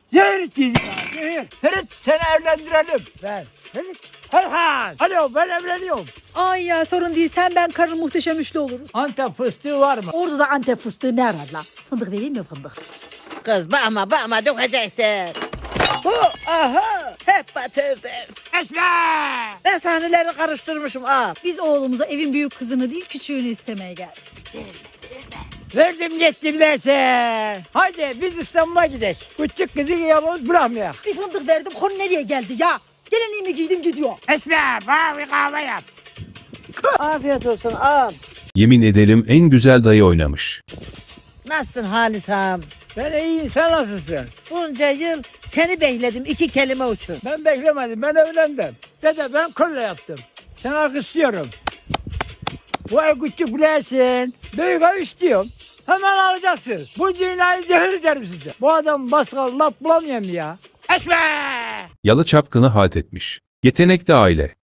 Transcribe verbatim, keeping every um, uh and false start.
Zehir içeceğiz ya, zehir. Ferit seni evlendirelim. Ben. Ferit. Herhan. Alo ben evleniyorum. Ay ya sorun değil, sen ben karın muhteşem üçlü oluruz. Antep fıstığı var mı? Orada da Antep fıstığı ne arar lan? Fındık vereyim mi fındık? Kız bakma bakma dökeceksin. Bu aha hep batırdı. Esme. Ben sahneleri karıştırmışım al. Biz oğlumuza evin büyük kızını değil küçüğünü istemeye geldik. Verdim gittim derse. Haydi biz İstanbul'a gidelim. Küçük kızı yalnız bırakmayalım. Bir fındık verdim, konu nereye geldi ya? Gelinliğimi giydim gidiyor. Esme bana bir kahve yap. Afiyet olsun al. Yemin ederim en güzel dayı oynamış. Nasılsın Halis ağam? Ben iyiyim sen nasılsın? Bunca yıl seni bekledim iki kelime uçur. Ben beklemedim ben evlendim. Dede ben kolle yaptım. Sen alkışlıyorum. Bu ev küçük bilesin. Büyük ev istiyorum. Hemen alacaksın. Bu dünyayı zehir ederim size. Bu adam baskal laf bulamıyorum ya. Esme! Yalı çapkını halt etmiş. Yetenekli aile.